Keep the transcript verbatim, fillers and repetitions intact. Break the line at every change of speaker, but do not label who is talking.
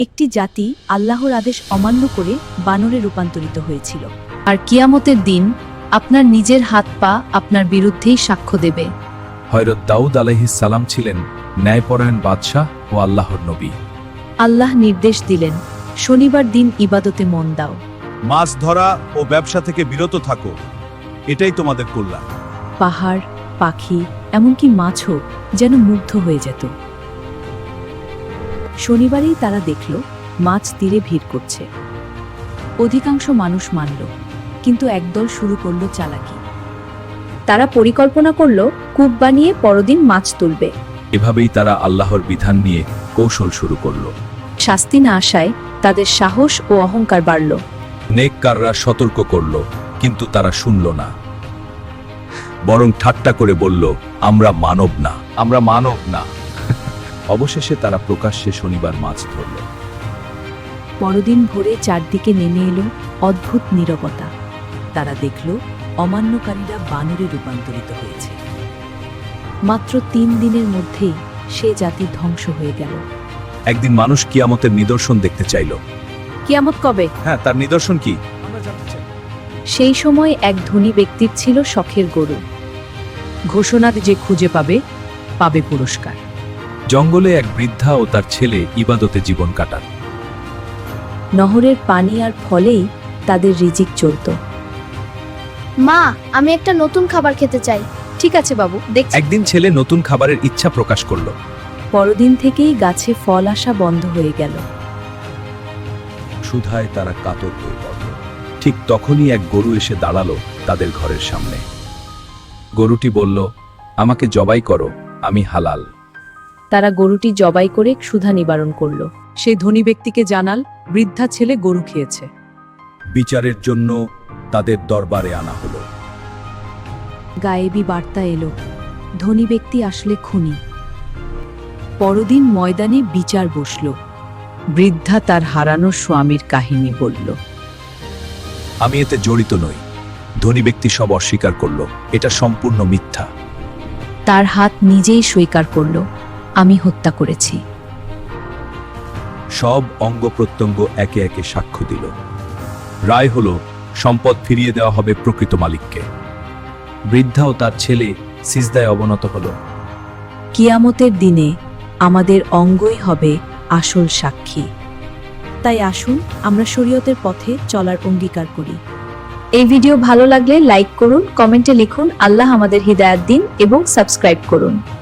একটি জাতি আল্লাহর আদেশ অমান্য করে বানরে রূপান্তরিত হয়েছিল। আর কিয়ামতের দিন আপনার নিজের হাত পা আপনার বিরুদ্ধেই সাক্ষ্য দেবে।
হযরত দাউদ আলাইহিস সালাম ছিলেন ন্যায়পরায়ণ বাদশাহ ও আল্লাহর নবী।
আল্লাহ নির্দেশ দিলেন, শনিবার দিন ইবাদতে মন দাও।
মাছ ধরা ও ব্যবসা থেকে বিরত থাকো, এটাই তোমাদের কল্যাণ।
পাহাড়, পাখি, এমনকি মাছও যেন মুগ্ধ হয়ে যেত। শনিবারেই তারা দেখল মাছ তীরে ভিড় করছে। অধিকাংশ মানুষ মানল, কিন্তু একদল শুরু করল চালাকি। তারা পরিকল্পনা করল কূপ বানিয়ে পরদিন মাছ তুলবে।
এভাবেই তারা আল্লাহর বিধান নিয়ে কৌশল শুরু করল।
শাস্তি না আসায় তাদের সাহস ও অহংকার বাড়ল।
নেককাররা সতর্ক করল, কিন্তু তারা শুনল না, বরং ঠাট্টা করে বলল, আমরা মানব না, আমরা মানব না। অবশেষে তারা প্রকাশ্যে শনিবার মাছ ধরল।
পরদিন ভোরে চারদিকে নেমে এলো অদ্ভুত নীরবতা। তারা দেখল অমান্যকারীরা বানরে রূপান্তরিত হয়েছে। মাত্র তিন দিনের মধ্যেই সে জাতি ধ্বংস হয়ে গেল।
একদিন মানুষ কিয়ামতের নিদর্শন দেখতে চাইল।
কিয়ামত কবে?
হ্যাঁ, তার নিদর্শন কি?
সেই সময় এক ধনী ব্যক্তির ছিল শখের গরু। ঘোষণা যে খুঁজে পাবে, পাবে পুরস্কার।
জঙ্গলে এক বৃদ্ধা ও তার ছেলে ইবাদতে জীবন কাটান।
নহরের পানি আর ফলেই তাদের রিজিক চলত।
মা, আমি একটা নতুন খাবার খেতে চাই।
ঠিক আছে বাবু, দেখছি।
একদিন ছেলে নতুন খাবারের ইচ্ছা প্রকাশ করল।
পরদিন থেকেই গাছে ফল আসা বন্ধ হয়ে গেল।
ক্ষুধায় তারা কাতর হয়ে পড়ল। ঠিক তখনই এক গরু এসে দাঁড়ালো তাদের ঘরের সামনে। গরুটি বলল, আমাকে জবাই করো, আমি হালাল।
তারা গরুটি জবাই করে ক্ষুধা নিবারণ করল। সেই ধনী ব্যক্তিকে জানাল বৃদ্ধা ছেলে গরু খেয়েছে।
বিচারের জন্য তাদের দরবারে আনা হলো।
গায়েবী বার্তা এলো, ধনী ব্যক্তি আসলে খুনি। পরদিন ময়দানে বিচার বসল। বৃদ্ধা তার হারানো স্বামীর কাহিনী বলল।
আমি এতে জড়িত নই। ধনী ব্যক্তি সব অস্বীকার করল, এটা সম্পূর্ণ মিথ্যা।
তার হাত নিজেই স্বীকার করল, আমি হত্যা করেছি।
সব অঙ্গ প্রত্যঙ্গ একে একে সাক্ষ্য দিল। রায় হলো, সম্পদ ফিরিয়ে দেওয়া হবে প্রকৃত মালিককে। বৃদ্ধা ও তার ছেলে সিজদায় অবনত হলো।
কিয়ামতের দিনে আমাদের অঙ্গই হবে আসল সাক্ষী। তাই আসুন আমরা শরীয়তের পথে চলার অঙ্গীকার করি।
এই ভিডিও ভালো লাগলে লাইক করুন, কমেন্টে লিখুন আল্লাহ আমাদের হিদায়াত দিন এবং সাবস্ক্রাইব করুন।